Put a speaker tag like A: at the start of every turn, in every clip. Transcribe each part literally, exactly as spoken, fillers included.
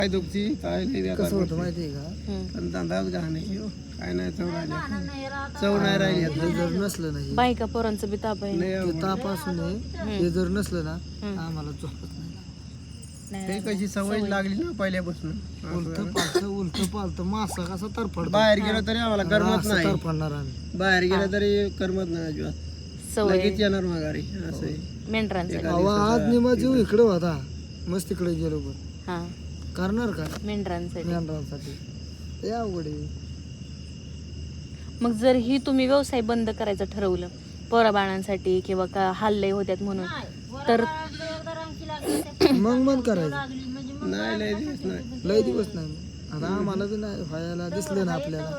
A: काय दुखती काय नाही
B: कसं होतं माहिती आहे का,
A: पण धंदाच घाण आहे हो. काय नाही चव राहिली चव नाही राहिली आता.
B: हे जर नसलं नाही
C: बायका पोरांचं बी ताप आहे.
A: लय
B: ते
A: अवघड.
B: ताप असू नये, हे जर नसलं ना आम्हाला झोपत नाही.
A: ते कशी सवय लागली ना पहिल्यापासून.
B: उलट पालत उलट पालत मासा कसा तरफड
A: बाहेर गेलं तरी आम्हाला करमत नाही.
B: तरफडणार आम्ही.
A: बाहेर गेलं तरी करमत नाही अजिबात.
C: सवय
A: लगेच येणार माघारी असं आहे.
C: मेंढरांसाठी.
B: अहो, आज निमा जीव इकडे होता, मस्त तिकडे गेलो पण
C: हा
B: करणार का
C: मेंढरांसाठी.
B: मेंढरांसाठी ते अवघड आहे.
C: मग जर ही तुम्ही व्यवसाय बंद करायचं ठरवलं पोरा बाळांसाठी किंवा का हल्ले होत्यात म्हणून तर
B: मग बंद करायचं.
A: नाही लय दिवस नाही.
B: लय दिवस नाही आता आम्हाला बी नाही व्हायला दिसलं ना आपल्याला.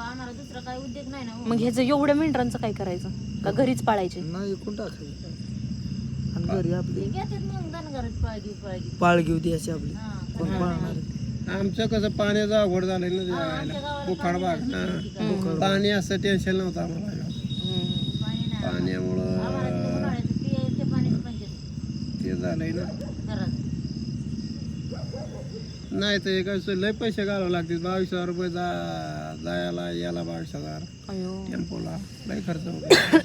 C: मग ह्याचं एवढ्या मेंढरांचं काय करायचं का घरीच पाळायचे?
B: नाही एकूण टाकायचं आणि घरी आपली पाळ घेऊ द्यायची आपली. कोण पाळणार?
A: आमचं कसं पाण्याचं अवघड झालंय ना जायला. बुखाड भाग ना. पाणी असं टेन्शन नव्हतं आम्हाला अजिबात. पाण्यामुळं ते झालंय ना. नाही तर एक असं लय पैसे घालावं लागतील. बावीस हजार रुपये जा जायला याला बावीस हजार
C: अयो
A: टेम्पोला लय खर्च होतो.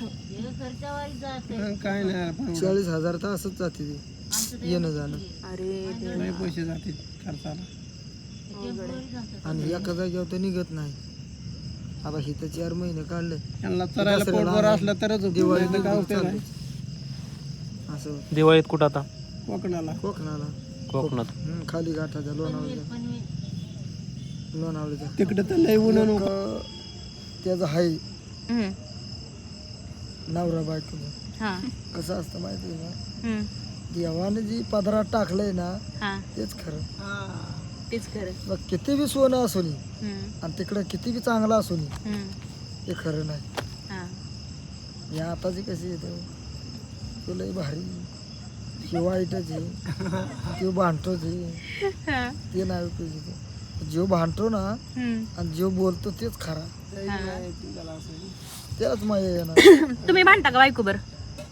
A: काय नाही पण
B: चाळीस हजार तर असंच जाते ते येणं जाणं.
C: अरे
A: लय पैसे जातील खर्चाला.
B: आणि एका जागेवर तर निघत नाही. आता ही तर चार महिने काढले
A: त्यांना चरायला पोटभर असलं तरच होतं.
B: दिवाळी
A: नाही तर काय होतं नाही.
B: असं होतं.
D: दिवाळीत कुठं आता?
A: कोकणाला
B: कोकणाला
D: कोकणात.
B: हम्म, खाली घाटाच्या लोणावळ्याच्या लोणावळ्याच्या
A: तिकडे तर लय ऊन
B: एक,
A: नको.
B: त्याचं हाय
C: हम्म.
B: नवरा बायकोचं
C: हा
B: कसं असतं माहिती आहे का,
C: हम्म.
B: देवाने जी पदरात टाकलंय ना
C: हा
B: तेच खरं.
C: तेच खरं.
B: मग किती बी सोनं असू नये
C: हम्म.
B: आणि तिकडं किती बी चांगलं असू नये
C: हम्म.
B: ते खरं नाही.
C: हा
B: या आताची कशी येतं तो लय भारी, हे वाईटच आहे, तो भांडतोच आहे,
C: हा.
B: ते नाही उपयोगी. जो भांडतो ना
C: हम्म.
B: आणि जो बोलतो तेच खरा,
C: हा.
B: त्यालाच माया येणार.
C: तुम्ही भांडता का बायको बर?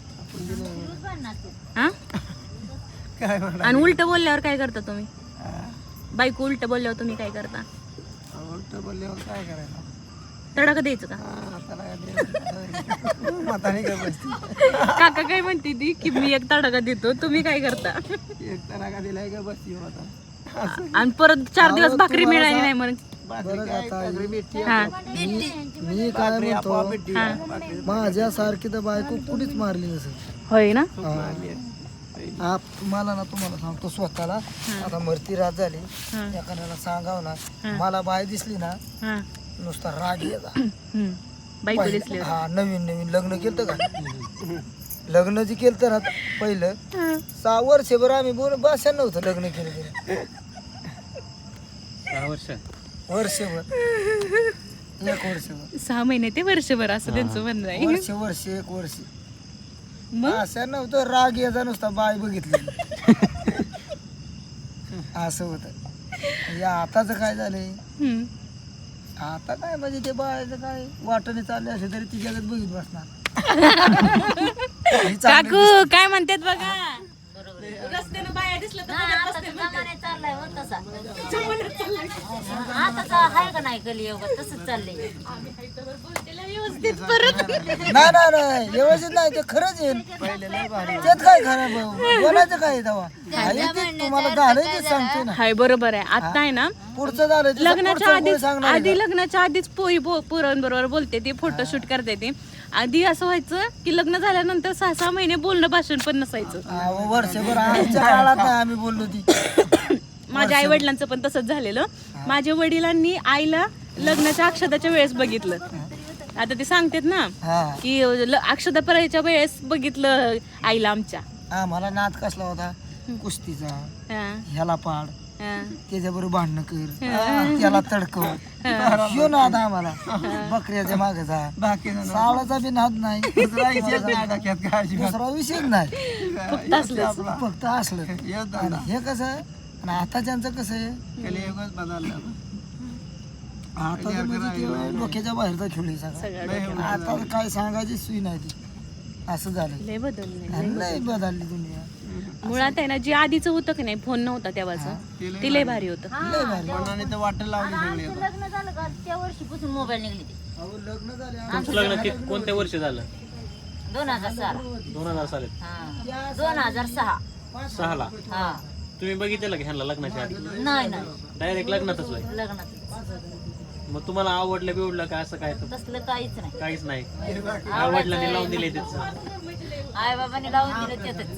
C: हा
A: काय म्हणा
C: आणि उलट बोलल्यावर काय करता तुम्ही? बायको उलट बोलल्यावर तुम्ही काय करता?
A: उलट बोलल्यावर काय करायला.
C: तडाखा द्यायचं का?
A: हा, त्याला काय द्यायचं. म्हातारी काय बसती.
C: काका काय म्हणते ती की मी एक तडाखा देतो, तुम्ही काय करता?
A: एक तडाखा दिलाय का बसती हो आता.
C: आणि परत चार दिवस भाकरी मिळाली नाही म्हणून.
A: भाकरी काय, भाकरी भेटती.
C: हा
B: मी काय म्हणतो,
A: भेटती. भाकरी
B: माझ्यासारखी तर बायको कुठीच मारली नसेल.
C: होय ना.
A: मारली आहे.
B: आप मला ना तुम्हाला सांगतो स्वतःला आता मरती रात झाली,
C: हा.
B: एखाद्याला सांगावं ना मला बाय दिसली ना
C: हा
B: नुसता राग यायचा.
C: हम्म. बायको दिसली.
B: हा नवीन नवीन लग्न केलं का, लग्न जे केलं तर पहिलं सहा वर्षभर आम्ही बोल भाषा नव्हतं लग्न केलं तरी.
D: सहा वर्ष
B: वर्षभर एक वर्षभर
C: सहा महिने ते वर्षभर असं त्यांचं म्हणणं आहे.
B: वर्ष वर्ष एक वर्ष
C: मग
B: असं नव्हतं. राग यायचा नुसता बाय बघितली असं होतं. या आताच काय झालंय,
C: हम्म.
B: आता काय म्हणजे ते बाळाचं काय वाटणे चालले असे तरी ती जगत बघित बसणार. ही चांगली
C: काकू काय म्हणतात बघा. रस्त्यानं बाया दिसलं तर बघत बसते म्हणतात. व्यवस्थित परत
B: नाही नाही नाही व्यवस्थित नाही ते खरंच येईल. त्यात काय खरं भाऊ? बोलायचं काय तेव्हा आहे ते तुम्हाला झालंय ते सांगते ना.
C: हाय बरोबर आहे. आता आहे ना
B: पुढचं झालं ते
C: लग्नाच्या
B: पुढचं
C: आधी
B: कोणी सांगणार
C: आधी लग्नाच्या आधीच पोरी पोरांबरोबर बोलते ती, फोटोशूट करते ती. आधी असं व्हायचं की लग्न झाल्यानंतर सहा सहा महिने बोलणं भाषण पण नसायचं.
B: हा, वर्षभर आमच्या काळात नाही आम्ही बोललो ती.
C: माझ्या आई वडिलांचं पण तसंच झालेलं. माझ्या वडिलांनी आईला लग्नाच्या अक्षताच्या वेळेस बघितलं. आता ते सांगतात ना
B: हा
C: की ल- अक्षता परायच्या वेळेस बघितलं आईला आमच्या.
B: आम्हाला नाद कसला होता कुस्तीचा,
C: हा,
B: ह्याला पाड,
C: हा.
B: त्याच्याबरोबर भांडणं कर, त्याला तडकव, ह्यो नाद आम्हाला. बकऱ्याच्या मागचा सावळाचा बी नाद नाही, दुसरा विषय नाही,
C: फक्त असलंच.
B: फक्त असलं. आणि हे कसं आहे आणि आताच्यांचं कसं आहे,
A: कलियुगच बदलला.
B: आता तर म्हणजे ते डोक्याच्या बाहेरचा खेळ आहे सगळा.
C: सगळं
B: आता काय सांगायची सुई नाही ती. असं झालं
C: लय बदललंय.
B: आणि लय बदलली दुनिया.
C: मुळात आहे ना जे आधीचं होतं की नाही फोन नव्हता तेव्हाचं ते लय भारी होतं.
B: लय भारी.
A: कोणाने तर वाटेल लावली सगळी आता.
D: लग्न झालं का त्या वर्षीपासून मोबाईल निघले ते
B: अहो, लग्न झाले
E: तुमचं लग्न कि- कोणत्या वर्षी झालं?
D: दोन हजार सहा
E: दोन हजार साली
D: हा दोन हजार सहा
E: सहाला.
D: हा
E: तुम्ही बघितलं की ह्यांना लग्नाच्या आधी?
D: नाही नाही
E: डायरेक्ट लग्नातच होय.
D: लग्नात
E: मग तुम्हाला आवडलं बिवडलं का असं काय?
D: तसलं काहीच नाही.
E: काहीच नाही. आवडलं लावून दिले त्याच.
D: आई बाबाने लावून दिलं त्यातच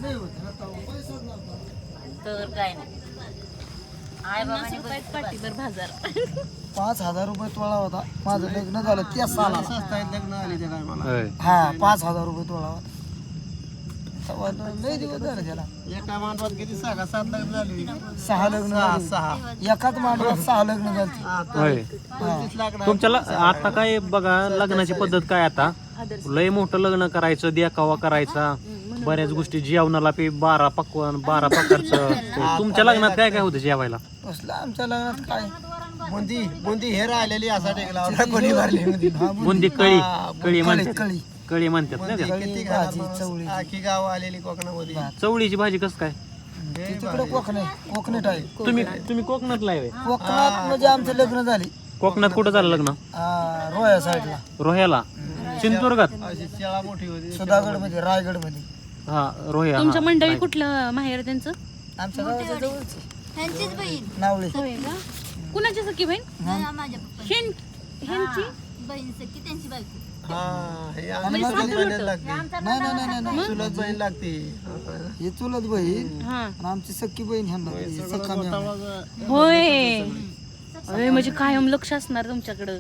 D: तर काय नाही. आई बाबाने
C: रुपयात पाठीभर बाजार.
B: पाच हजार रुपये तोळा होता माझं लग्न झालं त्या साला
A: स्वस्त आहेत लग्न आली ते काय मला
B: हा पाच हजार रुपये तोळा होता तेव्हा लय दिवस झाले त्याला
A: एका मांडवात किती सहा का सात लग्न झाली
B: सहा लग्न
A: सहा
B: झाली.
A: सहा
B: एकाच मांडवात सहा लग्न झाली
A: हा, तर
E: होय.
A: पंचवीस लाख ना.
E: तुमच्या ल- आता काय बघा लग्नाची पद्धत काय आता लय मोठं लग्न करायचं देखावा करायचा बऱ्याच गोष्टी जेवणाला पे बारा पकवान बारा प्रकारचं. तुमच्या लग्नात काय काय होतं जेवायला?
B: कसलं आमच्या लग्नात काय
A: बुंदी बुंदी हे राहिलेली असा टेकला होता कोणी भरली होती
E: बुंदी कळी कळी म्हणतात
B: कळी
E: कळी म्हणतात ना त्याला.
A: किती
B: भाजी,
A: घरात
B: चवळी.
A: आखी गाव आलेली कोकणामध्ये
E: चवळीची भाजी कसं काय?
B: ते तिकडे कोकण आहे कोकणट आहे
E: तुम्ही तुम्ही कोकणातला आहे होय?
B: कोकणात म्हणजे आमचं लग्न झाली
E: कोकणात कुठं झालं लग्न?
B: आ, रोया साईडला
E: रोह्याला सिंधुदुर्गात.
A: अशी शाळा मोठी होती
B: सुधागड मध्ये रायगड मध्ये
E: हा रोह्या.
C: तुमच्या
E: हा.
C: मंडळी कुठलं माहेर त्यांचं?
B: आमच्या गावाच्या जवळची
D: ह्यांचीच बहीण
B: नावळे
C: होय का? कुणाची सखी बहीण?
D: माझ्या पप्पा
C: हेन ह्यांची
D: बहीण सखी त्यांची बायको
A: हा हे आम्ही सगळी बहिणीला लागते
B: नाही नाही नाही नाही
A: चुलत बहीण लागते
B: हे चुलत बहीण
C: हा
B: आणि आमची सख्खी बहीण ह्यांना सख्खा मी आम्हाला.
C: होय. अरे म्हणजे कायम लक्ष असणार तुमच्याकडं.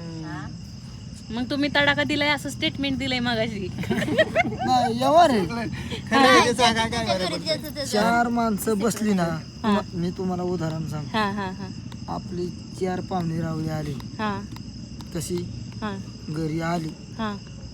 C: मग तुम्ही तडाखा दिलाय असं स्टेटमेंट दिलंय मागाशी.
B: नाही व्यवहार आहे
A: खरं आहे ते सांगा काय बरं पडतं.
B: चार माणसं बसली ना तुम- मी तुम्हाला उदाहरण सांग
C: हा हा हा
B: आपली चार पाहुणे रावळी आली
C: हा
B: कशी
C: हा
B: घरी आली
C: हा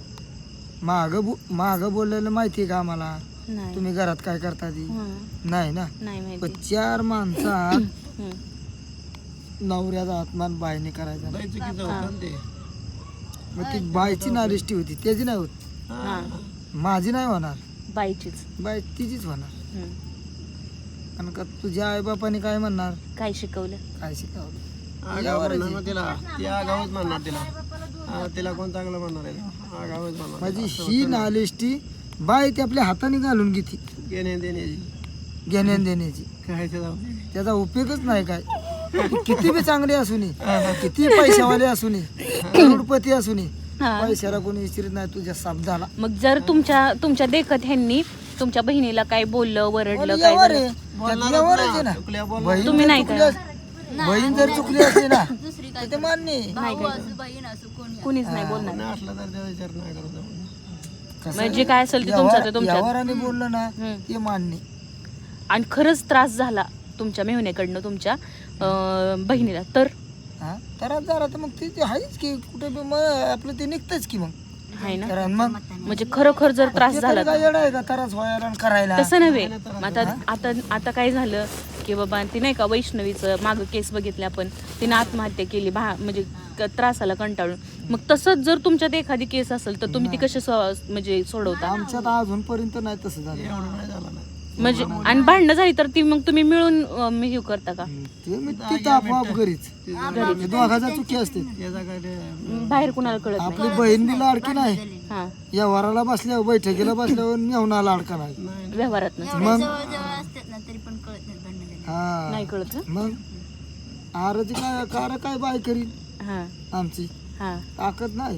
B: माग माग बोललेलं माहितीये का आम्हाला
C: नाही
B: तुम्ही घरात काय करता ती
C: हा,
B: नाही ना
C: नाही
B: पण
C: माहिती.
B: चार माणसात
C: हम्म.
B: नवऱ्याचा आत्मान बायने करायचा
A: लय चुकीचं होतं ना ते
B: मग ती बायची नालिष्टी होती त्याची नाही होत
C: हा
B: माझी नाही होणार
C: बाईचीच.
B: बाय तिचीच होणार
C: हम्म.
B: कारण का तुझ्या आईबापाने काय म्हणणार
C: काय शिकवलं?
B: काय शिकावलं
A: आगाव म्हणणार ना तिला ती आगावच म्हणणार तिला हा, तिला कोण चांगलं म्हणणार आहे आगावच म्हणणार
B: माझी ही नालिष्टी बाय ती आपल्या हाताने घालून घेते
A: घेणे देण्याची
B: घेण्या देण्याची
A: काय ते जाऊ दे.
B: त्याचा उपयोगच नाही काय ती किती बी चांगली असू नये किती पैशावाले असू नये करोडपती असू नये
C: हा.
B: पैशाला कोणी विचारित नाही तुझ्या शब्दाला
C: मग जर तुमच्या तुमच्या देखत ह्यांनी तुमच्या बहिणीला काय बोललं वरडलं काय
B: व्यवहार
C: झालं?
B: आहे त्यात व्यवहार आहे ना
A: चुकल्या बोल
B: बहीण
C: तुम्ही
B: जर
C: नाही
B: चुकली
C: का?
B: अस- बहीण जर चुकली असते ना
D: दुसरी
B: तर ते मान्य आहे.
D: भाऊ असू बहीण असू कोणी
C: कुणीच नाही बोलणार.
A: नाही असलं तर त्याचा विचार नाही करत जाऊ.
B: कसं
C: म्हणजे काय असेल ते तुमचं
B: व्यवहार-
C: ते तुमच्या.
B: व्यवहाराने बोललं ना
C: हम्म.
B: ते मान्य
C: आणि खरंच त्रास झाला तुमच्या मेहण्याकडनं तुमच्या अं, बहिणीला तर
B: हा तर झाला तर मग ते ते आहेच की कुठे बी मग आपलं ते निघतच की मग
C: आहे ना.
B: तर मग
C: म्हणजे खरोखर जर त्रास
B: ते
C: झाला
B: तरी काय येडं आहे का त्रास व्हायला आणि करायला
C: तसं नव्हे. आता आता आता काय झालं की बाबा ती नाही का वैष्णवीचं मागं केस बघितले आपण तिने आत्महत्या केली भा म्हणजे क- त्रासाला कंटाळून. मग तसंच जर तुमच्यात एखादी केस असेल तर तुम्ही ती कशी सो- म्हणजे सोडवता
B: आमच्यात अजूनपर्यंत नाही तसं झालं
A: एवढं नाही झालं ना
C: म्हणजे आणि भांडणं झाली तर ती मग तुम्ही मिळून अं, मी हे करता का
B: ते मी तिथं आपोआप घरीच घरी दोघाचा चुकी असते
A: त्याचा काय ते
C: बाहेर कुणाला कळत नाही.
B: आपली बहीण बी लाडकी नाही
C: हा
B: या वराला बसल्यावर बैठकीला बसल्यावर मेवणा लाडका नाही
C: व्यवहारात
B: मग
D: जवळ जवळ असतात ना तरी पण कळत नाही भांडण
B: हा
C: नाही कळत ना.
B: मग आरची काय कार काय बाय करीन
C: हा
B: आमची
C: हा
B: ताकद नाही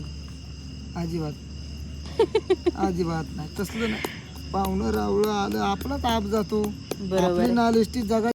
B: अजिबात अजिबात नाही तसलं नाही पाहुणं रावळं आलं आपला ताप जातो
C: बरोबर
B: आपली नालिष्टी जगा